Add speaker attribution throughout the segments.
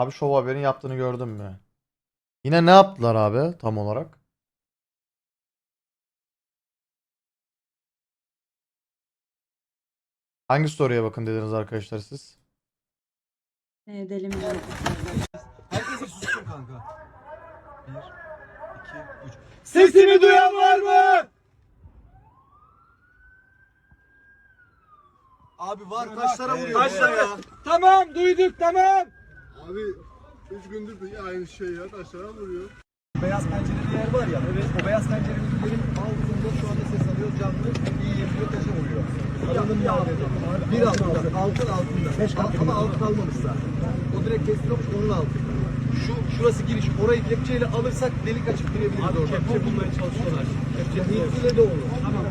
Speaker 1: Abi Show Haber'in yaptığını gördün mü? Yine ne yaptılar abi tam olarak? Hangi story'e bakın dediniz arkadaşlar siz?
Speaker 2: Deli mi?
Speaker 3: Herkes sussun kanka. 1, 2, 3.
Speaker 4: Sesimi duyan var mı?
Speaker 3: Abi var kaçlara vuruyor?
Speaker 4: Kaçlara?
Speaker 3: ya?
Speaker 4: Tamam duyduk tamam.
Speaker 5: Abi 3 gündür de aynı şey ya taşlara vuruyor.
Speaker 3: Beyaz pencereli yer var ya. Evet. O beyaz pencerelilerin altında şu anda ses alıyor canlı. İyi yapıyor taşa vuruyor. Adamın bir altında. Ama altın almamış zaten. O direkt teslim olmuş onun altında. Şurası giriş. Orayı kepçeyle alırsak delik açıp girebiliriz oradan. Kepçe bulmaya çalışıyorlar. Kepçe de olur. Tamam.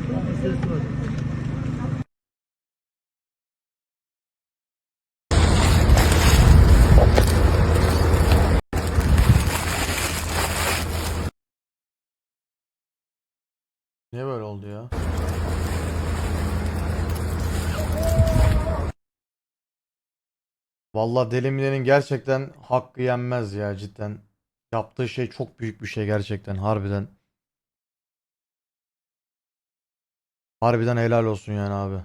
Speaker 1: Niye böyle oldu ya? Vallahi Deli Mine'nin gerçekten hakkı yenmez ya cidden. Yaptığı şey çok büyük bir şey gerçekten harbiden. Harbiden helal olsun yani abi.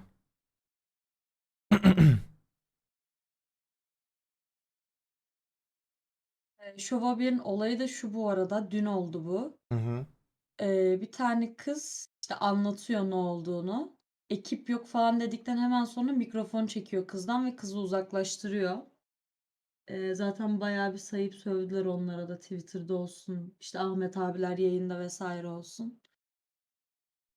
Speaker 2: Şov Haber'in olayı da şu bu arada. Dün oldu bu.
Speaker 1: Hı hı.
Speaker 2: Bir tane kız işte anlatıyor ne olduğunu. Ekip yok falan dedikten hemen sonra mikrofon çekiyor kızdan ve kızı uzaklaştırıyor. Zaten bayağı bir sayıp sövdüler onlara da Twitter'da olsun. İşte Ahmet abiler yayında vesaire olsun.